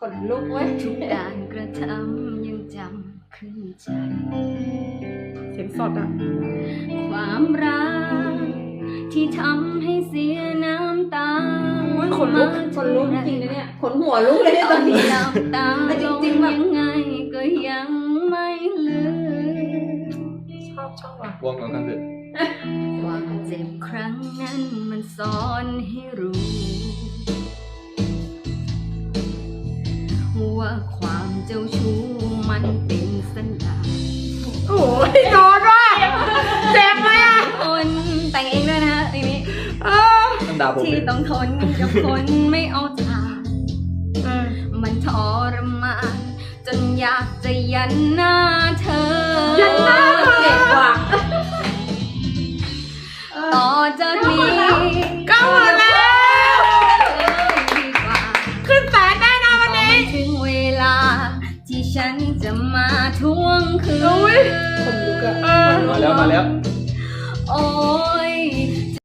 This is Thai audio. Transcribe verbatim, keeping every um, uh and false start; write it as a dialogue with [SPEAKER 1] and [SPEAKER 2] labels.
[SPEAKER 1] นลุกเว้ย
[SPEAKER 2] ทุกการกระทำยังจำขึ้นใจ
[SPEAKER 3] เสียงสดอ่ะ
[SPEAKER 2] ความรักที่ทำให้เสียน้ำตา
[SPEAKER 3] โอ้ยขนลุก
[SPEAKER 1] ขนลุกจริงนะเนี่ยขนหัวลุกเลยเนี่ย
[SPEAKER 2] ต
[SPEAKER 1] ต
[SPEAKER 2] อ
[SPEAKER 1] อน น
[SPEAKER 2] ที่
[SPEAKER 1] นี้
[SPEAKER 2] หลับตา
[SPEAKER 1] แต่จ
[SPEAKER 2] ล
[SPEAKER 1] ริ
[SPEAKER 2] ง
[SPEAKER 1] งๆแบบ
[SPEAKER 2] ยังไงก็ยังไม่ลืม
[SPEAKER 3] ชอบชอบว่ะ
[SPEAKER 4] วอร์มก่อนกันเถอะ
[SPEAKER 2] ความเจ็บครั้งนั้นมันสอนให้รู้ ว่าความเจ้าชู้มันเป็นสัญญาณ
[SPEAKER 3] โอ้ยโดนว่ะเจ็บไหมอ่ะ
[SPEAKER 2] คนแต่งเองด้วยนะไอ้นี้
[SPEAKER 3] เออ
[SPEAKER 4] ต้องด่าผม
[SPEAKER 2] ที่
[SPEAKER 4] ดิ
[SPEAKER 2] ต้องทนกับคนไม่เอาทาง
[SPEAKER 3] เออ
[SPEAKER 2] มันทรมานจนอยากจะยันหน้าเธอ
[SPEAKER 3] ยันหน้าเธอ
[SPEAKER 1] เจ็บว่ะ
[SPEAKER 2] ต่อจากนี้
[SPEAKER 3] ก็หมดแล้ว
[SPEAKER 2] ดีกว่า
[SPEAKER 3] ขึ้นแสนแน่นอนวันนี้
[SPEAKER 2] ถึงเวลา ที่ฉันจะมาทวงคืน
[SPEAKER 3] อุ๊ย
[SPEAKER 1] ขนลุกอะ
[SPEAKER 3] เออ
[SPEAKER 4] มาแล้วมาแล้ว
[SPEAKER 2] โอ้